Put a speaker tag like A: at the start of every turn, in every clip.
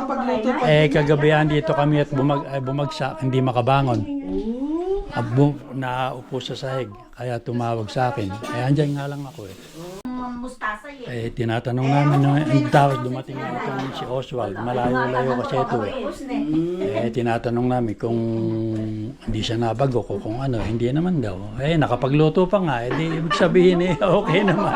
A: nakapagluto pa.
B: Kagabihan dito kami at bumagsak, hindi makabangon. Naupo sa sahig, kaya tumawag sa akin. Andyan nga lang ako
C: Mustasa eh.
B: Tinatanong namin ang tawag, dumating na itong si Oswald. Malayo-layo kasi ito tinatanong namin kung hindi siya nabago ko kung ano, hindi naman daw. Nakapagluto pa nga, di ibig sabihin okay naman.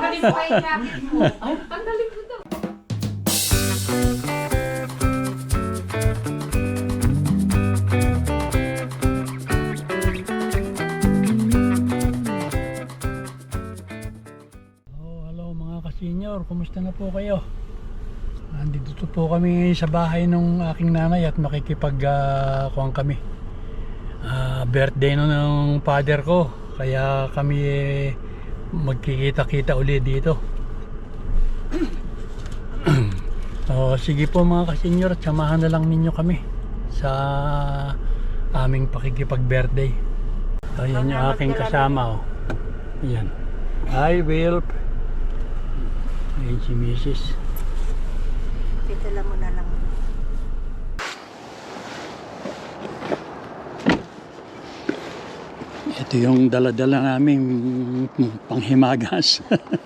B: Senior, kumusta na po kayo? Nandito po kami sa bahay ng aking nanay at makikipag-kuhan kami. Birthday ng father ko, kaya kami magkikita-kita ulit dito. Sige po mga ka-senior, samahan na lang ninyo kami sa aming pakikipag-birthday. Ayan yung aking kasama. Ayan. Hi, Wilp. Ayan si Mrs.
C: Pitala mo na lang.
B: Ito yung dala-dala namin panghimagas.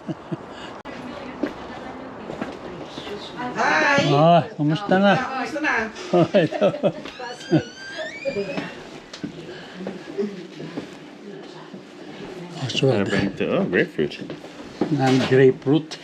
A: Hi!
B: Kumusta na?
A: Kumusta na?
B: Ito. Oswald.
D: Grapefruit.
B: Ng grapefruit.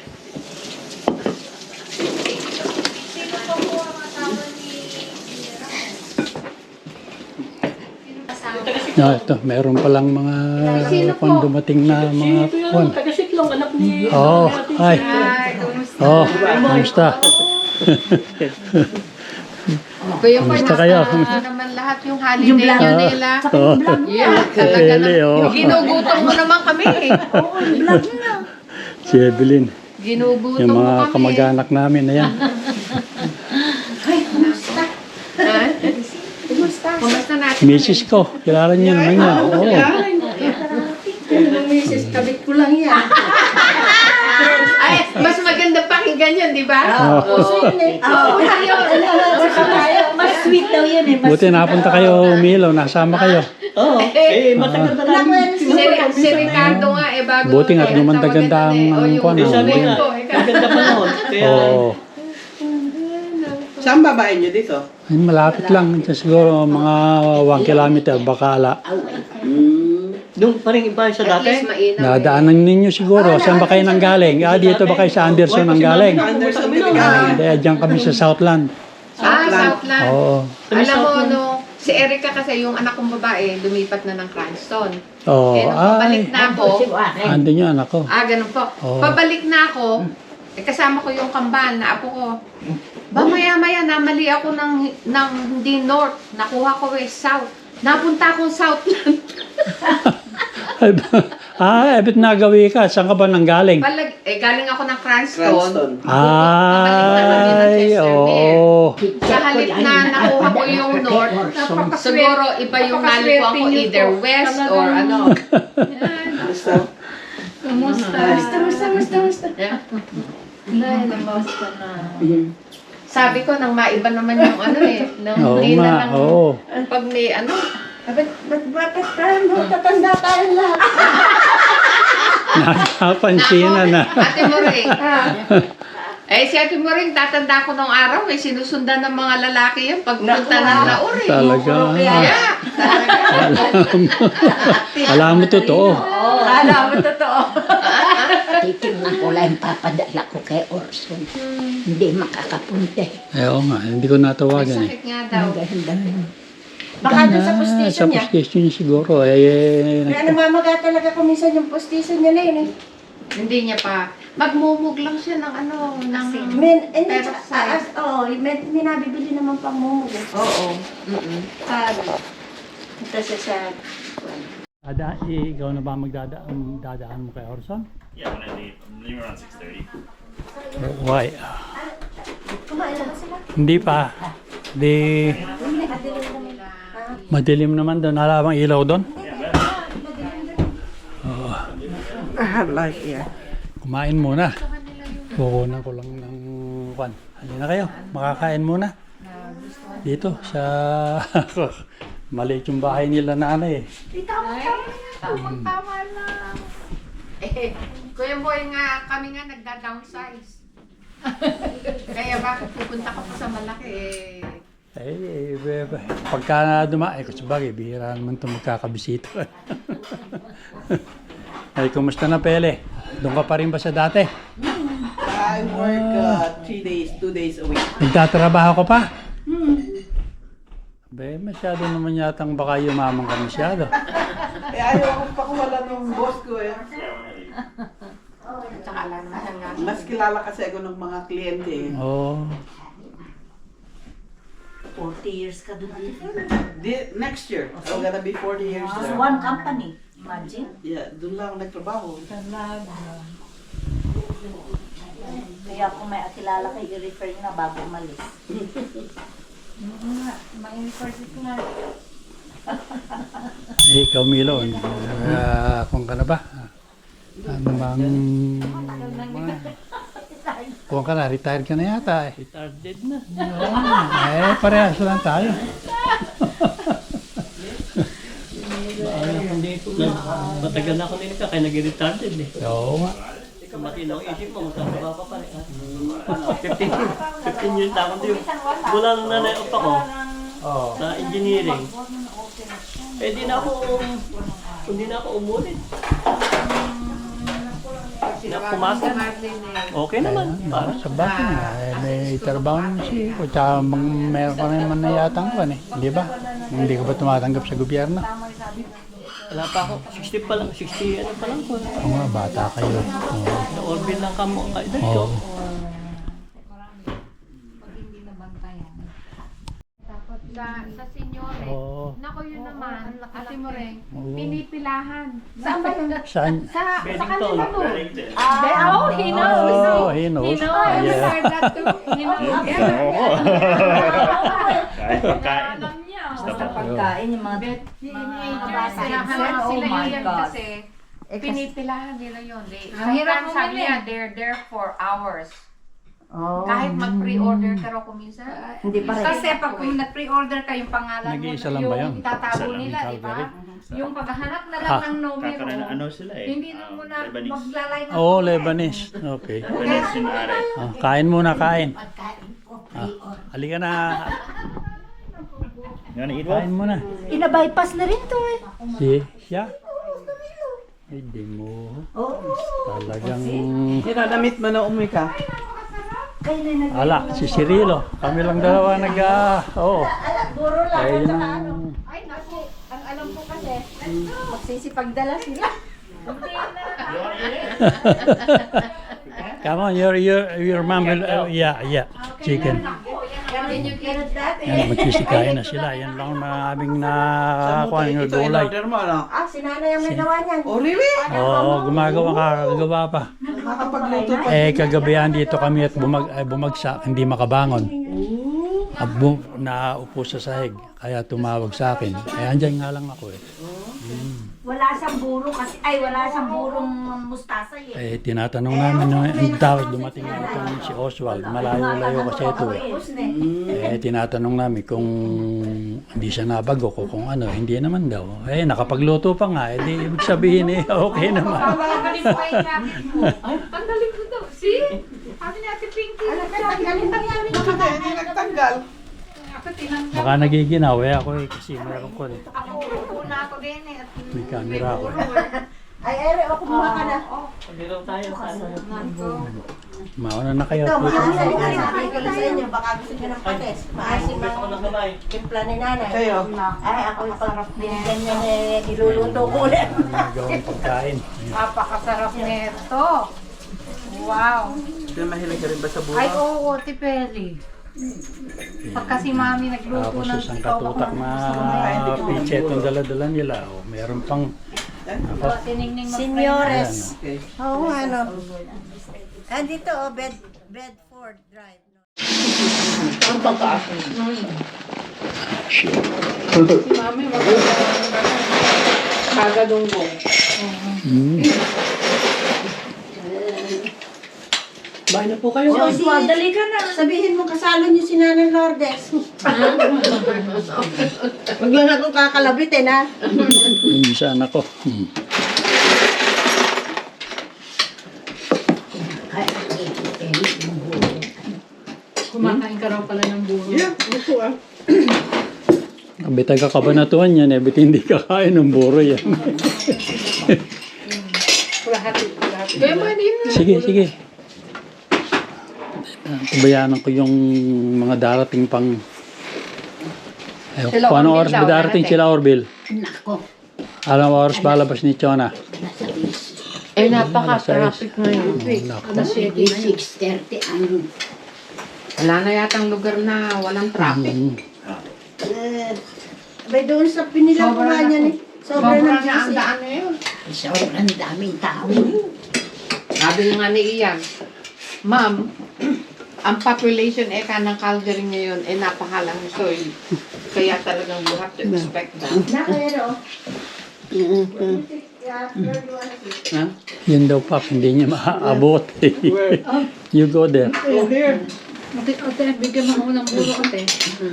B: Ito, meron palang mga kung dumating na mga kwan.
E: Taga-Siklong, anak ni...
B: Hi. Kumusta? Kumusta kayo?
F: naman lahat yung holiday nyo nila. Yeah, talaga na. Ginugutom mo naman kami eh.
C: Oo, vlog na.
B: Si Evelyn.
F: Ginugutom
B: Yung
F: mo
B: mga
F: kami.
B: kamag-anak namin, ayan.
C: Ay, kumusta?
F: Kumusta natin?
B: Misis ko, kilala niyo naman yan. Oo.
C: Yung misis, kabit ko lang yan.
F: Ay, mas maganda pakinggan yun, di ba?
C: Mas sweet daw yan eh.
B: Buti napunta kayo Milo, nasama kayo.
E: matagal na namin.
F: Si Ricardo nga eh, bago.
B: Buti nga, gumanda-ganda ang kwan.
E: Sabi nga, maganda pa noon. Kaya,
B: Oo.
A: Saan babae nyo dito?
B: Ay, malapit lang. Siguro mga 1 kilometer, Bacala.
E: nung parang iba sa
F: At least
E: dati.
F: mainam.
B: Nadaanan ninyo siguro. Saan ba kayo nang galing? Dito ba kayo sa Anderson nang galing?
A: Anderson Diligan.
B: Hindi, dyan kami sa Southland.
F: Southland.
B: Oo.
F: Alam mo, no, si Erica kasi yung anak kong babae, lumipat na ng Cranston.
B: Oo.
F: Nung pabalik na ako,
B: Andun yung anak ko.
F: ganun po.
B: Oo.
F: Pabalik na ako, kasama ko yung kamban na apo ko. Ba maya-maya, namali ako ng hindi north. Nakuha ko west south. Napunta akong Southland.
B: Ebit nagawi ka. Saan ka ba nang galing?
F: Galing ako ng Cranston.
A: Cranston.
B: Ay, oo.
F: Sa halip na nakuha ko yung north, siguro iba yung nalikuha ko either west or ano.
A: Gusto?
C: Musta.
F: Yeah. Sabi ko, nang maiba naman yung ano eh. Nang
B: Oo
F: hindi na
B: nga,
F: lang,
B: oo.
F: pag may ano,
C: Bakit tayo tatanda tayo lahat?
B: Nakapansinan na.
F: Ate Moring. Si Ate Moring, tatanda ko nung araw, sinusundan ng mga lalaki yan pagpunta ng Laur eh.
B: Talaga.
F: Yeah,
B: Alam mo totoo.
C: Alam mo totoo.
G: Titingnan ko lang papadala ko kay Orson. Hindi makakapunta.
B: Oo nga, hindi ko natawagan eh.
F: sakit nga daw.
C: Baka doon sa
B: Sa
C: postisyon niya.
B: postisyon niya siguro.
C: Kaya namamaga talaga kung minsan yung postisyon niya na yun eh.
F: Hindi niya pa. Magmumug lang siya ng ano, ng
C: Hindi,
F: peroxide.
C: may nabibili naman pang mumug.
F: Oo.
C: Ito siya sa...
B: Ikaw na ba dadaan mo kay Orson?
D: Yeah, when I leave. I'm leaving around 6:30.
B: Why?
C: Kumain na ba sila?
B: Hindi pa. Madilim naman doon. Wala bang ilaw doon?
A: I have light here.
B: Kumain muna. Kukunan ko lang ng kwan. Halika na kayo, makakain muna. Dito sa maliit yung bahay nila nanay eh.
F: Tama lang. Eh, Kuya Boy nga, kami nga nagda-downsize. Kaya bakit pupunta ka pa sa malaki
B: Pagka dumaan, kung sabagay, bihira naman itong magkakabisita. Ay, kumusta na Pele? Doon ka pa rin ba sa dati?
A: I work 3 days, 2 days a week.
B: Nagtatrabaho ka pa? Masyado naman yatang baka yumaman ka masyado.
A: Eh, ayaw akong pakuwala ng boss ko eh.
F: Tsaka lang naman nga.
A: Mas kilala kasi ako ng mga kliyente eh.
B: Oo.
G: 40 years ka doon dito.
A: Next year, I'm gonna be 40 years there.
G: One company. Imagine.
A: Yeah, doon lang ako nagtrabaho.
G: Kaya kung may akilala kayo, i-refer nyo na bago umalis.
B: Ikaw Milo, kung ka na ba? Ano bang... Kung ka na, retired ka na yata eh.
E: Retarded na.
B: Parehas lang tayo.
E: Hindi ko na. Matagal na ako nila kaya nag-retarded eh.
B: Oo nga.
E: Kung matinaw isip mo, magkakaba pa pala. 15 years na ako din. Mula nung nanay-op ako sa engineering. Eh di na ako umulit. Pumasok. Okay naman.
B: Sa bakit nga, may trabaho naman siya. O tsaka meron ka naman na yatang kan eh. Di ba? Hindi ka ba tumatanggap sa gobyerno?
E: Wala pa ako. 60 pa lang. 60 ano pa lang ko.
B: Oo nga, bata kayo. Oo.
E: Na-orbit lang kamo. Kaedad ko.
B: Oo.
F: Sa senyore,
B: Oo.
F: nako yun naman, Ate Moreng,
B: Oo.
F: pinipilahan. Saan ba yun?
B: Saan?
F: Sa
E: Bennington.
F: kanila to.
D: Wellington.
F: He knows.
B: Oh, he knows.
F: I
B: Yeah.
F: heard that too. He knows.
D: Kahit pagkain.
F: Alam niya.
G: Basta pagkain, yung mga
F: Teenagers, sinahanap
G: Oh
F: sila
G: my
F: yun
G: God.
F: kasi pinipilahan nila yun.
C: hirap
F: Sometimes sabi
C: bumili.
F: niya, they're there for hours.
G: Oh.
F: Kahit mag-pre-order ka raw kuminsan.
G: Hindi pa rin.
C: Kasi pag nag-pre-order ka yung pangalan mo,
B: Nag-iisa lang ba yun?
C: yung itatago
D: Isa lang,
C: nila, di ba?
B: Calvary.
C: Yung paghahanap na lang ng numero,
D: Kakaroon ano sila eh.
C: hindi na mo na
D: Lebanese.
C: maglalay ng
B: Oo, Lebanese. Okay.
D: Lebanese yung ari.
B: Kain muna, kain.
G: Pagkain ko, pre-order.
B: Halika na.
D: You wanna eat one?
B: Kain muna.
G: Ina-bypass na rin to eh.
B: Siya? Hindi mo.
G: Oo.
B: Talagang...
A: Namit mo na umuwi ka.
G: Kayo na nag-
B: Ala, si Cirilo. Kami lang dalawa Oo.
G: Guro lang.
B: Kaya yun
G: Saka
B: ang...
G: ano.
C: ay naku, ang alam ko kasi, magsisipagdala sila.
B: Come on, your mom will... yeah. Chicken.
C: Yan yung dati.
B: Yan, magsisikain na sila. Yan lang na aming nakakuha ng
A: Ito,
B: gulay.
A: in-order mo, ano?
G: Si nanay ang may gawa niyan.
A: Oh, really?
B: Oo, kakagawa pa.
A: Nakakapagluto pa.
B: Kagabihan dito kami at bumagsak, hindi makabangon. Naupo sa sahig, kaya tumawag sa akin. Andyan nga lang ako eh.
G: Wala siyang buro kasi, wala siyang burong mustasa eh.
B: Tinatanong namin, tapos dumating na itong si Oswald, malayo-layo kasi ito eh. Tinatanong namin kung hindi siya nabago ko kung ano, hindi naman daw. Nakapagluto pa nga, di ibig sabihin okay naman.
F: Ang galing ko yung jacket mo. Ang galing ko daw. See? Sabi ni Ate Pinky.
A: Bakit hindi nagtanggal?
F: Ako tinanggal.
B: Baka nagiginaw ako kasi meron ko eh.
F: Ako, una ako din eh.
B: May camera ako.
G: Ere, kumuha ka na.
E: Pagdilaw tayo.
B: Mauna na kayo.
G: Ito, makakasali ka rin. Sabi ko lang sa inyo, baka gusto nyo ng pates. Maasim
E: Gusto ko
G: ang
E: ng kamay.
G: timpla ni nanay.
A: Kayo?
G: Ako pag binigyan niya niluluto ko ulit.
B: Gawang pagkain.
F: Napakasarap nito. Wow.
A: Ito, mahilig ka rin ba sa
F: Ay,
A: buha?
F: oo, Tipeli. Pagka si Mami nagluto
B: Tapos
F: ng
B: isang katutak na pichet ang dala-dala nila. Meron pang
F: tiningning
G: Senyores.
A: Okay.
G: Oo, ano. Andito, Bedford Drive.
F: Si Mami kagadunggong.
E: Bahay na po kayo.
C: Oswald, dali ka na. Sabihin mo kasalo niyo si Nanay Lourdes. Wag lang akong kakalabitin, ha?
B: Minsan ako.
C: Kumakain ka raw pala ng buro.
B: Bitag kabanatuan yan, eh. Bit hindi kakain ng buro yan.
F: Kaya mo din na.
B: Sige. Pabayaan ko yung mga darating pang...
F: Sila
B: Paano
F: Orville
B: oras
F: daw,
B: ba darating
F: darating.
B: sila, Orville?
G: Nako,
B: Alam oras ba labas ni Chona?
G: nasa bis.
F: Napaka-traffic ngayon.
G: Kasi 6:30 ang
F: Wala na yatang lugar na walang traffic.
C: Bay doon sa pinilabuhan niya ni. Sobra
F: Sobra
C: ng
F: na ang
C: busy.
F: daan ngayon.
G: sobrang daming tao.
F: Sabi nga ni Ian, Ma'am, ang population ng Calgary ngayon ay napakalang soil. Kaya talagang you have to expect that.
C: Nakayaro.
B: Yun daw, Pap, hindi niya maaabot. You go there.
C: Ate, bigyan mo ako ng buro, ate.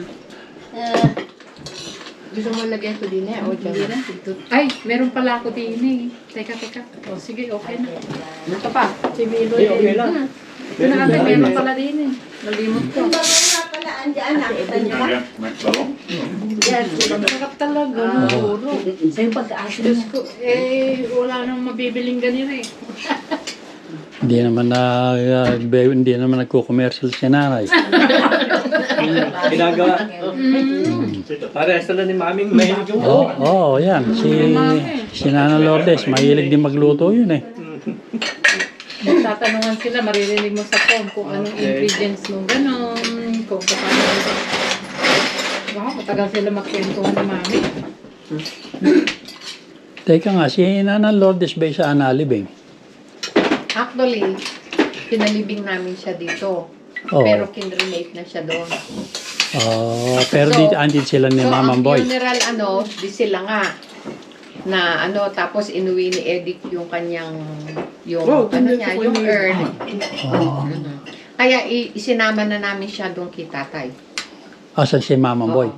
F: Gusto mo lagyan ito din o dyan?
C: Ay, meron pala ako din eh. Teka. O, sige, okay na.
F: Ito pa.
C: Si Milo.
E: Okay lang.
C: Ito na ate, meron pala din eh. Nalimot ko. Sarap talaga ng buro.
G: Sa'yo pag-aasa
C: Diyos ko, wala nang mabibiling ganito eh.
B: Hindi naman nagko-commercial si nanay.
E: Ginagawa. Parehas sila ni Maming mahilig yung
B: Oo, yan. Si Nana Lourdes, mahilig din magluto yun eh.
C: Tatanungan sila, maririnig mo sa phone kung anong ingredients nung gano'n, kung paano. Wow, matagal sila magkwentuhan ni Mami.
B: Teka nga, si Nana Lourdes ba sa Analibing?
F: Actually, pinalibing namin siya dito.
B: Oo.
F: Pero kinremate na siya doon.
B: Pero
F: So,
B: dito andit sila ni Mama
F: ang
B: Boy.
F: funeral di sila nga. Na tapos inuwi ni Edith yung kanyang, yung urn. Kaya isinama na namin siya doon kay tatay.
B: Asan si Mama Boy?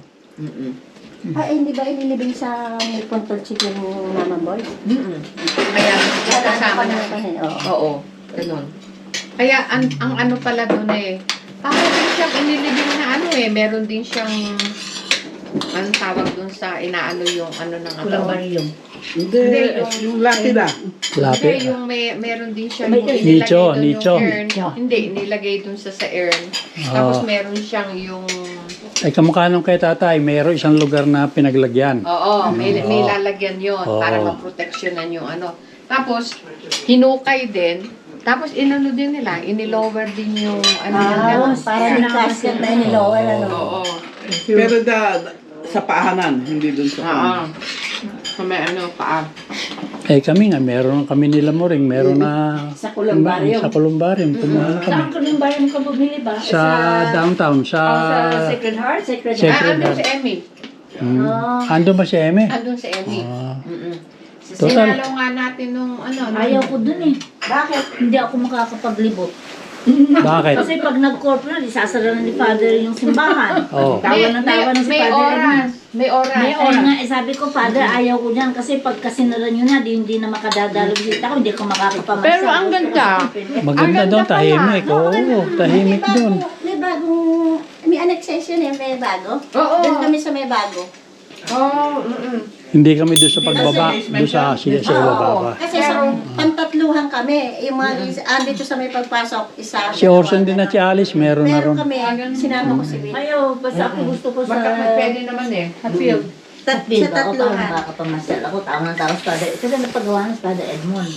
C: Hindi ba inilibing sa Puntol Chicken yung Mama Boy?
F: Kaya kasama na. Oo, ganun. Kaya ang ano pala doon parang din siyang inilibing na meron din siyang anong tawag doon sa inaano yung ng
G: Kulang baryo.
A: Hindi, yung laki lang.
F: Hindi,
B: Lapit.
F: yung meron din siya
G: May
B: nicho.
F: urn. Hindi, nilagay dun sa urn. Tapos meron siyang yung...
B: Ay, kamukha nung kay tatay, mayroon isang lugar na pinaglagyan.
F: Oo, may lalagyan yon para maproteksyonan yung Tapos, hinukay din. Tapos, din nila, inilower din yung
C: Para may casket na inilower,
F: Oo.
A: Pero sa paahanan, hindi dun sa
F: Sa may paa.
B: Eh kami nga, meron kami nila mo rin, meron na...
G: Sa Columbarium.
B: Sa Columbarium, kumuha na kami.
G: Saan Columbarium ka bumili ba?
B: Sa downtown, sa...
G: Sa Sacred Heart? Sacred Heart.
B: Sacred
F: Andun si Emmy.
B: Ando ba si Eme?
F: Andun si Emmy.
B: Total.
F: Sinalaw nga natin nung
G: Ayaw ko dun eh. Bakit? Hindi ako makakapaglibot.
B: Bakit?
G: Kasi pag nag-corporate, isasara na ni Father yung simbahan.
B: Oo.
G: Tawa ng tawa na si
F: may
G: Father.
F: oras. May oras.
G: May oras nga, sabi ko, Father, ayaw ko dyan kasi pag kasinara nyo na, hindi na makadadalo bisita ko, hindi ko makakapamasa.
F: Pero ang ganda.
B: Maganda doon, tahimik. Oo, tahimik doon.
C: May bagong, may annexation may bago.
F: Oo.
C: Doon kami sa may bago.
F: Oo.
B: Hindi kami doon sa pagbaba, doon sa ibaba.
C: Kasi sa pantatluhan kami, yung mga andito sa may pagpasok, isa.
B: Si Orson din at si Alice, meron na
C: Meron
B: ron.
C: kami, sinama ko si Will.
G: Ayaw, basta ako gusto ko sa...
F: Pwede naman Hatfield.
C: Sa
G: Ako
C: tatluhan.
G: makakapamasal. Ako tawa ng tawa sa Father. Kasi napagawa ng Father Edmond.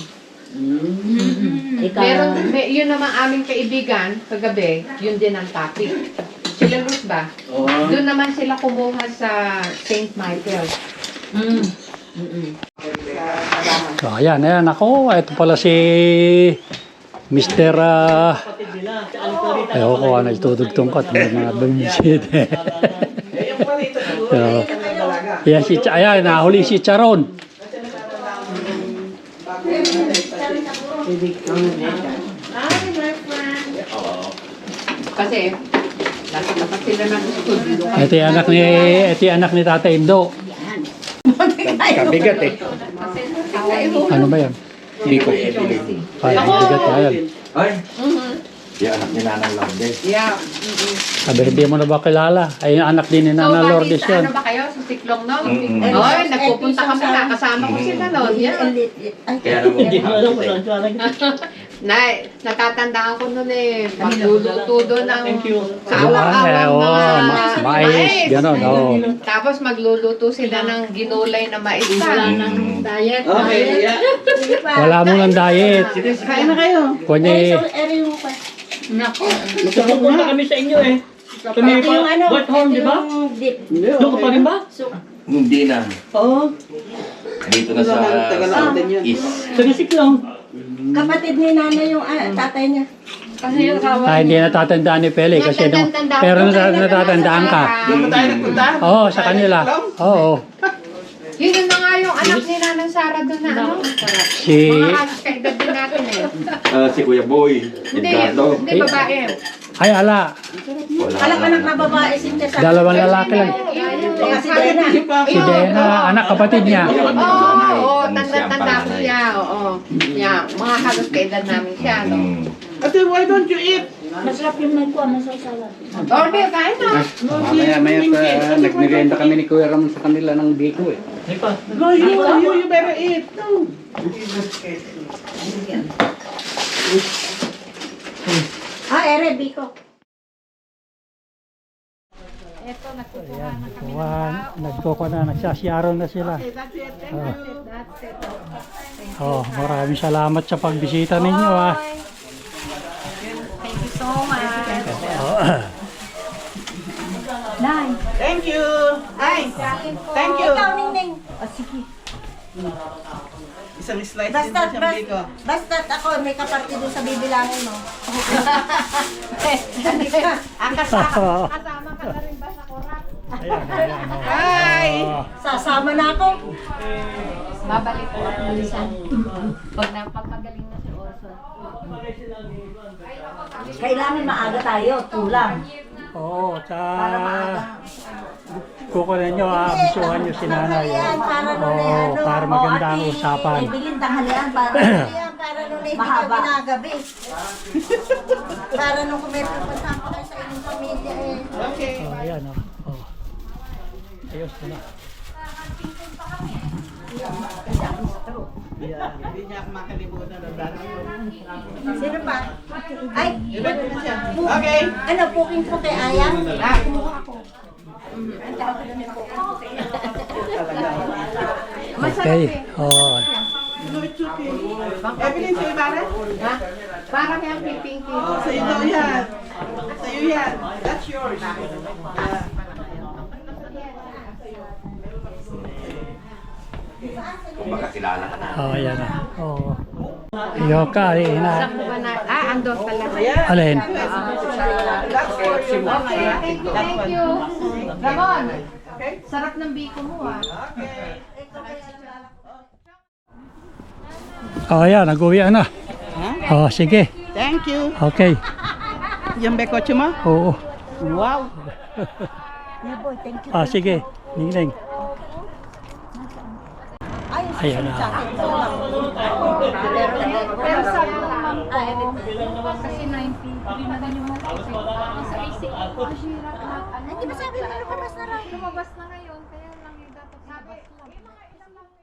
F: Yun naman aming kaibigan, kagabi, yun din ang topic. Sila Luz ba? Doon naman sila kumuha sa St. Michael.
B: So, ayan. Ako, ito pala si Mr. Ayaw ko, nagtutugtong ko at may mga bumisit. Ayan, nahuli si Charon.
F: Hi, my friend. Kasi, nasa sila ng studio.
B: Ito yung anak ni Tata Indo.
A: Kabigat eh.
B: Ano ba yan?
A: Biko.
B: Ay, ang bigat yan.
A: Ay. Yung anak ni Nanang Lourdes.
F: Yeah.
B: Sabi, hindi mo na ba kilala? Ay, yung anak din ni Nana Lourdes
F: bakit,
B: yan.
F: ano ba kayo? Sa Siklong noon?
A: Mm-mm.
F: Oy, nagpupunta kami na. Kasama ko sila noon.
A: Kaya naman.
E: Hindi ko alam kung saan siya lang.
F: Natatandaan ko noon eh. Magluluto doon ng
E: Thank you.
F: kaawang-awang mga
B: mais, gano'n, oo.
F: Tapos magluluto sila ng ginulay na mais pa.
C: Diet.
A: Okay, yeah.
B: Wala mo ng diet.
A: Kain na kayo.
B: Kunya,
C: Nako.
E: Magpupunta kami sa inyo eh. Kami pa, what home, di ba? Doon ka pa rin ba?
A: Hindi na.
E: Oo.
A: Dito na sa East.
E: Sa Gasik lang.
G: Kapatid ni nanay yung tatay niya.
C: Kasi yung kawan.
B: hindi natatandaan ni Pele kasi nung, pero natatandaan ka.
A: Doon tayo nagpunta?
B: Oo, sa kanila. Oo.
F: Yun na nga yung anak ni Nanang Sara doon na ano.
B: Si,
F: Mga halos kaedad din natin eh.
A: Si Kuya Boy.
F: Hindi babae.
B: ay ala,
G: Alam anak na babae si Tessa.
B: dalawang lalaki lang.
G: Si Dena.
B: Si Dena, anak kapatid niya.
F: Oo, tanda-tanda ko siya. Oo. Yeah, mga halos kaedad namin siya. No?
A: Ate, why don't you eat?
G: Masarap yung nagkuha, masarap.
F: Orbe, kain na.
H: Maya pa, nagmerienda kami ni Kuya Ram sa kanila ng biko eh.
E: Ay pa.
A: No, you better eat. No.
G: Ere, Biko.
B: Nagkoko na, nagsasiyaro na sila. Maraming salamat sa pagbisita ninyo ah.
C: Thank you so much.
A: Thank you. Ay, thank you.
G: Ikaw, Ningning. O, sige.
A: Isang slice din
G: Basta,
A: sa biko.
G: basta ako, may kapatid doon sa bibilangin mo. Hindi ka.
F: Kasama ka na rin ba sa kurap?
A: Hi.
G: Sasama na ako.
F: Babalik po ako minsan. Pag napapagaling na si Orson.
G: Kailangan maaga tayo, tulang.
B: Oo,
G: Para maaga.
B: kukunin nyo, abisuhan nyo si nanay.
G: Tanghalian, para nun ay
B: Oo,
G: ano.
B: para maganda ang
G: O, ate,
B: usapan.
G: Ibilin tanghalian, para tanghalian, para nun ay hindi ka ginagabi. Para nung kung may pupunta ko kayo sa inyong pamilya eh.
A: Okay.
B: Ayan o. Ayos na.
A: Hindi niya ako makalimutan ng dati.
G: Sino pa? Ay,
A: Okay.
G: ano, puking po kay Ayang?
B: Okay. Oo.
A: No, it's okay. Evelyn, sa'yo ba rin?
F: Ha? Para kayang pipinky.
A: Oh, sa'yo daw yan. Sa'yo yan. That's yours. Makakilala ka na.
B: Ayan na. Oo. Yoka, ina.
F: Saan mo ba na? Andon pala.
B: Alin?
A: That's for you.
F: Okay, thank you. Ramon, sarap ng biko mo ah.
B: Ayan, nag-uwi na. Sige.
A: Thank you.
B: Okay.
A: Yung bekotse mo?
B: Oo.
A: Wow.
B: Sige. Ningning. Ayan na.
C: Pero sabi ng ma'am ko, kasi 93 na din yung mga kasi sa basic, mahirap na.
G: Hindi ba sabi mo lumabas na raw?
C: Lumabas na ngayon, kaya lang yung dapat lumabas lang.